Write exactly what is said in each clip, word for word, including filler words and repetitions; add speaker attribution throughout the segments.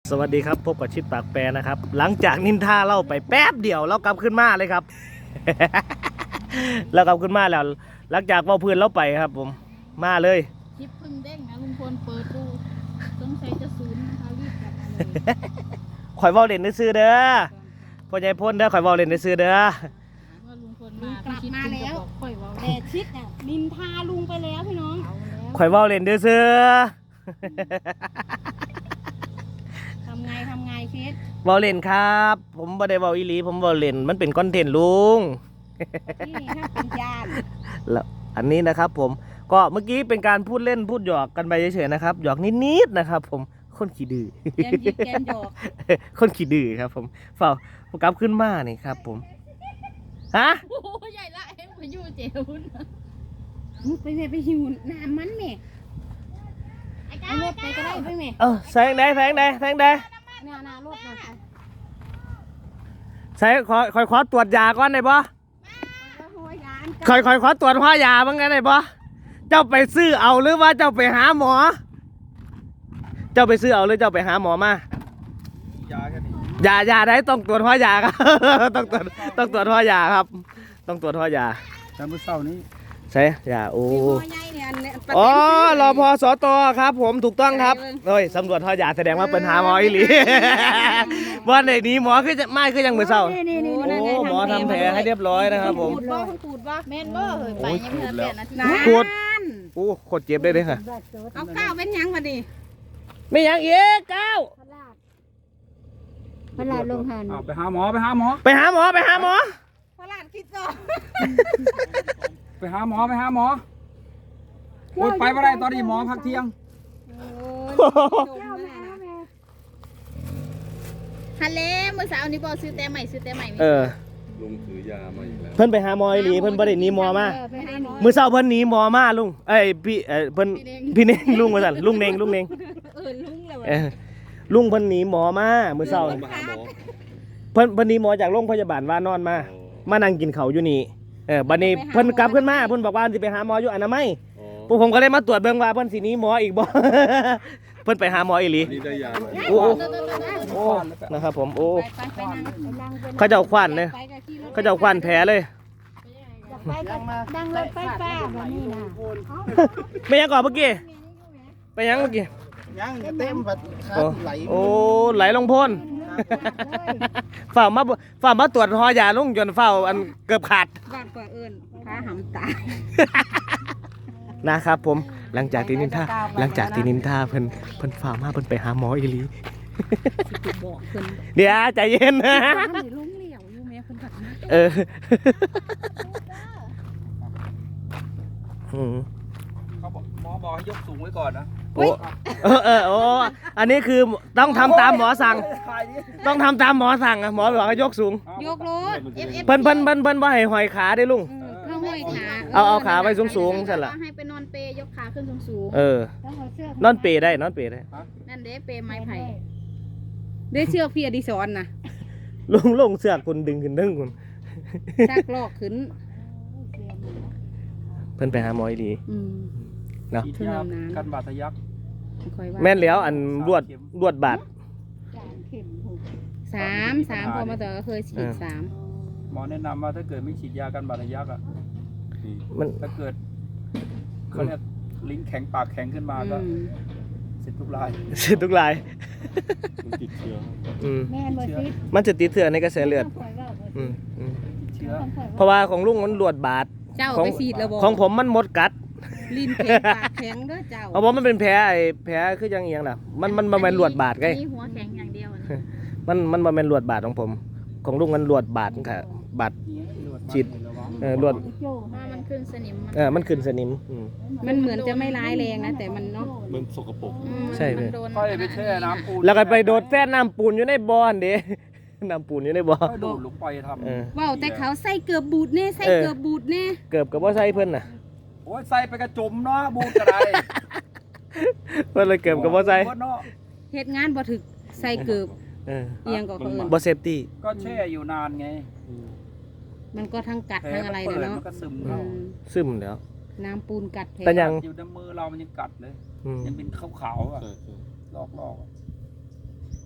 Speaker 1: สวัสดีครับพบกับชิดปากแปรนะครับหลังจากนินทาเล่าไปแป๊บเดียวเรากลับขึ้นมาเลยครับ เรากลับขึ้นมาแล้วหลังจากเว้าพื้นเราไปครับผมมาเลย
Speaker 2: คลิปพึ่งเด้งนะลุงพลเปิดดูสงสัยจะศูนย์นะคะรีบกลับมาเลย
Speaker 1: ข่อยเว้าเล่นซื้อเด้อพ่อใหญ่พ่นเด้อข่อยเว้าเล่นซื้อเด้อ
Speaker 2: ว่าลุงพลมากลับมาแล้วค่อยว่า
Speaker 3: แต่ชิดอ่ะนินทาลุงไปแล้วพี่น้อง
Speaker 1: ข่อยเว้าเล่นซื้อ
Speaker 3: ทำไงทำไงชิด
Speaker 1: เว้าเล่นครับผมบ่ได้เว้าอีหลีผมเว้าเล่นมันเป็นคอนเทนต์ลุง
Speaker 3: นี่ถ้าเป็นญาติ
Speaker 1: แล้วอันนี้นะครับผมก็เมื่อกี้เป็นการพูดเล่นพูดหยอกกันไปเฉยๆนะครับหยอกนิดๆนะครับผมคนขี้ดื้อ
Speaker 3: แกมยิกแกมหยอก
Speaker 1: คนขี้ดื้อครับผมเฝ้าโปรแกรมขึ้นมานี่ครับผมฮะ
Speaker 2: โอ้ใหญ่ละเอ็งไปอยู่เจ้า
Speaker 3: ไปแม่ไปหิวน้ำมันแม่เอารถไปก็ได้ไปแม่
Speaker 1: เออแสงใดแสงใดแสงใด
Speaker 3: เนี่ยนารถนะ
Speaker 1: ใส่ขอคอยขอตรวจยาก่อนได้ปะคอยคอยขอตรวจหัวยาบ้างไงได้ปะเจ้าไปซื้อเอาหรือว่าเจ้าไปหาหมอเจ้าไปซื้อเอาหรือเจ้าไปหาหมอมายาแค่นี้ยายาได้ต้องตรวจหัวยาครับต้องตรวจต้องตรวจหัวยาครับต้องตรวจหัวยา
Speaker 4: จำเมื่อเช้านี้
Speaker 1: ใช่ยาโอ้อ๋อรอพอสตครับผมถูกต้องครับเฮ้ยสำรวจหัวยาแสดงว่าเป็นหาหมออีหลีวันไหนนี้หมอคือจะไม่คือยังเมื่อเช้าโอ้หมอทำแผลให้เรียบร้อยนะครับผม
Speaker 3: ปูดบ่ปูดบ่
Speaker 2: แม่นบ่เฮ้ยไปยังไม่ทันแปดนาที
Speaker 1: ปวดโอ้โคตรเจ็บได้เลยค่ะ
Speaker 3: เอาก้าวเป็นยังมาดิ
Speaker 1: ไม่ยังอีกก้าว
Speaker 3: พลาดลงหัน
Speaker 4: ไปหาหมอไปหาหมอ
Speaker 1: ไปหาหมอไปหาหมอ
Speaker 3: พลาดคิดต่อ
Speaker 4: ไปหาหมอไปหาหมอโอ๊ยไปไม่ได้ตอนนี้หมอพักเที่ยง
Speaker 2: ฮัลโหลเมื่อเช้านี้บอกซื้อแต่ใหม่ซื้อแต่ใหม่
Speaker 1: เออ
Speaker 4: ลุงถือยามาอีกแล้ว
Speaker 1: เพิ่นไปหาหมออีหลีเพิ่นบ่ได้หนีหมอมามื้อเช้าเพิ่นหนีหมอมาลุงเอ้ยพี่เอ้ยเพิ่นพี่เน่งลุงว่าซั่นลุงเน่งลุงเน่ง
Speaker 3: เออลุงแล้ว
Speaker 1: เออลุงเพิ่นหนีหมอมามื้อเช้าเพิ่นเพิ่นหนีหมอจากโรงพยาบาลว่านอนมามานั่งกินข้าวอยู่นี่เออบัดนี้เพิ่นกลับขึ้นมาเพิ่นบอกว่าสิไปหาหมออยู่อนามัยพวกผมก็เลยมาตรวจเบิ่งว่าเพิ่นสิหนีหมออีกบ่เพิ่นไปหาหมออีหลีโอ้โอ้นะครับผมโอ้เขาเจ้าขวัญเลยเขาเจ้าขวัญแผลเลย
Speaker 3: ดังรถไฟฟ้าแบบนี้นะ
Speaker 1: ไปยังก่อนเมื่อกี้ไปยังเมื่อกี้
Speaker 4: ยังเต็มแบบไหล
Speaker 1: โอ้ไหลลงพ่นฝ่ามาฝ่ามาตรวจหอยาลุงจนเฝ้าอันเกือบขาด
Speaker 3: บ้านกว่าเอิญขาหำตาย
Speaker 1: นะครับผมหลังจากที่นินทาหลังจากที่นินทาเพิ่นเพิ่นฝ่ามาเพิ่นไปหาหมออีหลีเดี๋ยวใจเย็นนะเออ
Speaker 4: เขาบอกหมอบอกให้ยกสูงไว้ก่อนนะ
Speaker 1: โอ้เออเออโอ้อันนี้คือต้องทำตามหมอสั่งต้องทำตามหมอสั่งอะหมอบอกให้ยกสูง
Speaker 3: ยกรถ
Speaker 1: เพิ่นเพิ่นเพิ่นเพิ่นว่าให้หอยขาได้ลุงเอาเอาขาไว้สูงๆใช่ละ
Speaker 2: ให้ไปนอนเปยกขาขึ้นสูง
Speaker 1: ๆเออนอนเปได้นอนเปได้
Speaker 2: นั่นเด้เปไม้ไผ่
Speaker 3: ได้เชือกพี่อดิศรนะ
Speaker 1: ลุงลงเสือกคุณดึงขึ้นดึงคุณ
Speaker 3: ชักลอกขึ้น
Speaker 1: เพิ่นไปหาหมอดีเนาะ
Speaker 4: กันบาดทะยัก
Speaker 1: แม่นแล้วอันรวดรวดบาด
Speaker 3: สามสามพอมาต่อก็เคยฉีดสาม
Speaker 4: หมอแนะนำว่าถ้าเกิดไม่ฉีดยากันบาดทะยักอ่ะมันถ้าเกิดเขาเนี่ยลิ้นแข็งปากแข็งขึ้นมาก็เสร็จทุกราย
Speaker 1: เสร็จทุกราย
Speaker 4: มันติดเชื้อ
Speaker 1: มันจะติดเชื้อในกระแสเลือดเพราะว่าของลุงมันรวดบาด
Speaker 3: ของ
Speaker 1: ของผมมันหมดกัด
Speaker 3: ลิ้นแข็งปากแข็งเด้อเจ้า
Speaker 1: เพราะว่ามันเป็นแผลไอ้แผลคือยังเอียงล่ะมันมันมันเป็นรวดบาดไง
Speaker 2: มีหัวแข็งอย่างเดียว
Speaker 1: มันมันมันเป็นรวดบาดของผมของลุงมันรวดบาดค่ะบาดฉีดเออรวด
Speaker 2: มันขึ้นสนิม
Speaker 1: เออมันขึ้นสนิม
Speaker 3: มันเหมือนจะไม่ร้ายแรงนะแต่มันเนาะ
Speaker 4: มันสกปรก
Speaker 1: ใช่เลย
Speaker 4: ค่อยไปแช่น้ำปูน
Speaker 1: แล้วก็ไปโดดแช่น้ำปูนอยู่ในบ่อเด้น้ำปูนอยู่ในบ่อ
Speaker 4: โดดลงไปทำ
Speaker 3: ว้าวแต่เขาใส่เกือบบูดแน่ใส่เกือบบูดแน่
Speaker 1: เกือบกับว่าใส่เพิ่นน่ะ
Speaker 4: โอ้ยใส่ไปกระจุ่มเนาะบูดกระไร
Speaker 1: เพิ่นเลยเกือบกับว่าใส่
Speaker 3: เฮ็ดงานบ่ถึกใส่เกือบเอียงก็เอิ้น
Speaker 1: บ่เซฟตี้
Speaker 4: ก็แช่อยู่นานไง
Speaker 3: มันก็ทั้งกัดทั้งอะไรนะเนาะ
Speaker 1: ซึมแล้ว
Speaker 3: น้ำปูนกัด
Speaker 1: แต่ยัง
Speaker 4: อยู่ในมือเรามันยังกัดเลยยังเป็นขาวๆอ่ะลอกๆ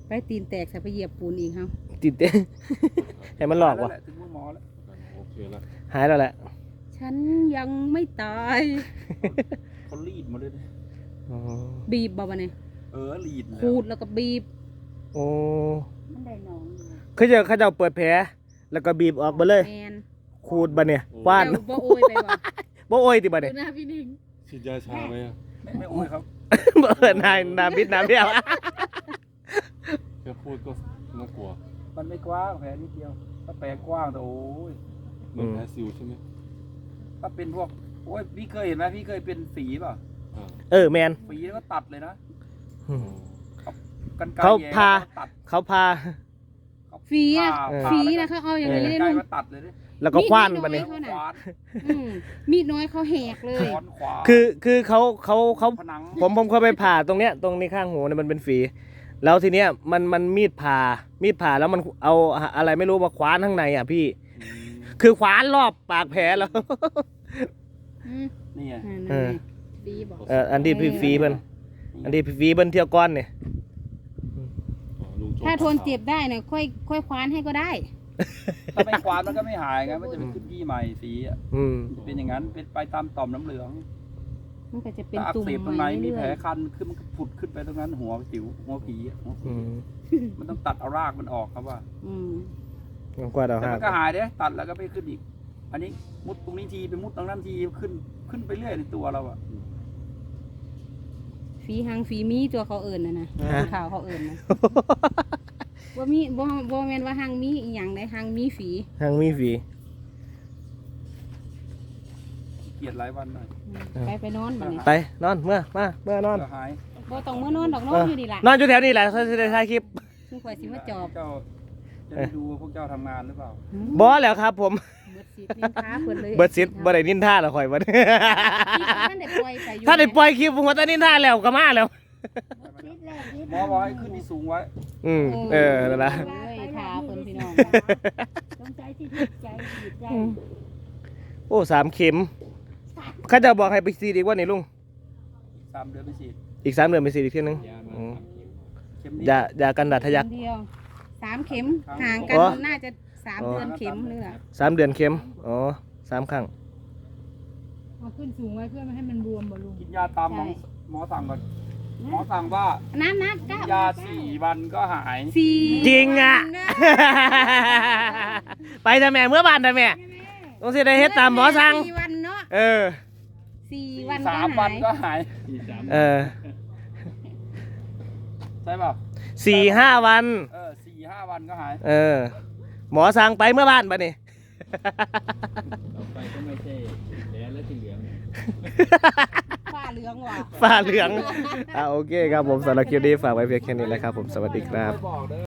Speaker 3: ไปตีนแตกใส่ไปเหยียบปูนอีกครับ
Speaker 1: ติดเต้ ให้มันหลอกวะ
Speaker 4: แหละถึงมือหมอแล้ว
Speaker 5: โอเคแล้ว
Speaker 1: หายแล้วแหละ
Speaker 3: ฉันยังไม่ตาย
Speaker 4: เขารีดมาเลยนะ
Speaker 1: อ๋อ
Speaker 3: บีบบ่วะเนี่ย
Speaker 4: เออรีดแล้ว
Speaker 3: ขูดแล้วก็บีบ
Speaker 1: โอ้
Speaker 3: มันได้หนอง
Speaker 1: เขาจะเขาจะเปิดแผลแล้วก็บีบออกมาเลย
Speaker 3: แมน
Speaker 1: ขูดบะเนี่ยคว้าน
Speaker 3: เจ้บ่โอยไปบ่
Speaker 1: บ่โอ้ยติบะ
Speaker 2: ดู
Speaker 1: เนี่ย
Speaker 2: หน้าพี่หนิง
Speaker 5: ฉีดยาชาไหมอะ
Speaker 4: ไม่ไม่โอ้ยครับ
Speaker 1: บ่เอิ้นนายน้ำบิดน้ำเดียว
Speaker 5: แค่พูดก็น่ากลัว
Speaker 4: มันไม่กว้างแผลนิดเดียวถ้าแผลกว้างแต่โอ้ย
Speaker 5: เหมือนแพ้ซิวใช่ไหม
Speaker 4: ถ้าเป็นพวกโอ้ยพี่เคยเห็นไหมพี่เคยเป็นฝีเปล่ะ
Speaker 5: อ่า
Speaker 1: เออแมน
Speaker 4: ฝีแล้วก็ตัดเลยนะ
Speaker 1: อืม
Speaker 4: กันไกร
Speaker 1: เขา
Speaker 4: แย่
Speaker 1: พา
Speaker 4: แล้วก็ตัด
Speaker 1: เขาพา
Speaker 3: ฝีนะ
Speaker 4: ผ่า
Speaker 1: เออ
Speaker 4: ผ่า
Speaker 3: ฝี
Speaker 4: แล้ว
Speaker 3: นะ
Speaker 4: ก็
Speaker 3: เขาเอาอย่าง
Speaker 4: กัน
Speaker 3: นี้
Speaker 4: ไก
Speaker 3: ได้
Speaker 4: ร
Speaker 3: ลุง
Speaker 4: มาตัดเลยดิ
Speaker 1: แล้วก็คว้านบะ
Speaker 3: มี
Speaker 1: เนี่ย
Speaker 3: ดน้อย
Speaker 4: ขวาน
Speaker 3: อืมมีดน้อยเขาแหกเลย
Speaker 4: ค้อนขวาน
Speaker 1: คือคือเขาเขาเขา
Speaker 4: ผนัง
Speaker 1: ผมผมเคยไปผ่าตรงเนี้ยตรงนี้ข้างหูเนี่ยมันเป็นฝี แล้วทีเนี้ยมันมันมีดผ่ามีดผ่าแล้วมันเอาอะไรไม่รู้มาคว้านข้างในอ่ะพี่
Speaker 5: อืม
Speaker 1: คือคว้านรอบปากแผลแล้ว
Speaker 3: อืม
Speaker 4: นี่ไง
Speaker 3: นั่น
Speaker 1: เอ
Speaker 3: ไง
Speaker 1: อ
Speaker 2: ดีบอก
Speaker 1: เอออันที่พี่ฟีเพิ่นอันที่พี่ฟีเพิ่นเที่ยวก้อนเนี่ย
Speaker 5: อ๋อลุงโจ๊ก
Speaker 3: ถ้าทนเจ็บได้เนี่ยค่อยค่อยคว้านให้ก็ได้
Speaker 4: ถ้าไม่ขวานมันก็ไม่หายไงมันจะเป็นขึ้นที่ใหม่สีอ่ะ
Speaker 1: อืม
Speaker 4: เป็นอย่างนั้นเป็นไปตามต่อมน้ำเหลือง
Speaker 3: มันก็จะเป็น
Speaker 4: ถ้าอัก
Speaker 3: ตุ่ม
Speaker 4: เสบตรงไหน
Speaker 3: ใหม่
Speaker 4: มี
Speaker 3: เรื่
Speaker 4: แผล
Speaker 3: อย
Speaker 4: คันขึ้นมันก็ผุดขึ้นไปตรงนั้นหัวสิวหัวผีอะหัวผี
Speaker 1: อืม
Speaker 4: มันต้องตัดเอารากมันออกครับว่า
Speaker 3: ๆอืม
Speaker 1: มันกว่าเรา
Speaker 4: แต่
Speaker 1: หั
Speaker 4: มั
Speaker 1: ก
Speaker 4: นก็หายเด้ตัดแล้วก็ไม่ขึ้นอีก อันนี้มุดตรงนี้ทีไปมุดตรงนั้นทีขึ้นขึ้นไปเรื่อยในตัวเราอ่ะ
Speaker 3: ฝีหางฝีมีตัวเขาเอิญนะนะ
Speaker 1: ฮะ
Speaker 3: ข่าวเขาเอิญนะว่ามีบ่บ่แม่นว่าหางมีอีหยังได้หางมีฝี
Speaker 1: หังมีฝี
Speaker 4: เกลียดหลายวันหน่อย
Speaker 3: อืมไปไปนอนบัดนี้
Speaker 1: ไปนอนเมื่อมาเมื่อนอน
Speaker 4: ก็หาย
Speaker 3: บ่ต้องมื้อนอนดอกนอนอยู่นี่ล่ะ
Speaker 1: นอนอยู่แถวนี้แหละเขาจะได้ถ่ายคลิป
Speaker 3: ซึ่งข่อยสิมาจอบ
Speaker 4: เจ้าจะได้ดูว่าพวกเจ้าทำงานหรือเปล่า
Speaker 1: บอแล้วครับผม
Speaker 3: เบิดสิทธิ์นินทาเพิ่นเลย
Speaker 1: เบิร์ดซิดบ่ได้นินท่าหรอกข่อยบ่ได้
Speaker 3: ท่านได้ปล่อยไปอยู่
Speaker 1: ถ้าได้ปล่อยคลิปผมว่าแต่นินท่าแล้วก็มาแล้ว
Speaker 4: หมอบอกให้ขึ้นที่สูงไว้
Speaker 1: อืมเออนั่นล่ะ
Speaker 3: เอ้ยทาเพิ่นพี่น้อง
Speaker 2: ต้องใจที่ถูกใจจิตใจ
Speaker 1: โอ้สามเข็มเขาจะบอกให้ไปซีดอีกว่านี่ลุง
Speaker 4: สามเดือนไปฉีด
Speaker 1: อีกสามเดือนไปซีดอีกเที่ยนึงอืม
Speaker 4: เข็มนี้
Speaker 1: ยายากันดัดทะยัก
Speaker 3: เดียวสามเข็มห่างกัน
Speaker 1: อ๋อ
Speaker 3: น่าจะสามเดือนเข็มนึงอ่ะ
Speaker 1: สามเดือนเข็มอ๋อสามครั้ง
Speaker 2: เอาขึ้นสูงไว้เพื่อไม่ให้มันบวมบ่ลุง
Speaker 4: กินยาตามหมอหมอสั่งก่อนหมอสั่งว่า
Speaker 3: น้ำนักก้าวย
Speaker 4: าสี่วันก็หาย
Speaker 3: สี่
Speaker 1: จริงอ่ะ
Speaker 3: วันนะ
Speaker 1: ไปทำแม่เมื่อบานทำแม่ต้องสิได้เฮ็ดตามหมอสั่ง
Speaker 3: สี่วันเนาะ
Speaker 1: เออ
Speaker 3: สี่วัน
Speaker 4: สามวันก็หาย
Speaker 1: เออ
Speaker 4: ใช่เปล่า
Speaker 1: สี่ห้าวัน
Speaker 4: เออสี่ห้าวันก็หาย
Speaker 1: เออ หมอสั่งไปเมื่อบ้านปะนี่
Speaker 5: ต่อไปก็ไม่ใช่แดงและสีเหลือง
Speaker 3: ฝ้าเหลืองว่ะ
Speaker 1: ฟ้าเหลือง อ่ะโอเคครับผมสำหรับคลิปนี้ฝากไว้เพียงแค่นี้แหละครับผมสวัสดีครับ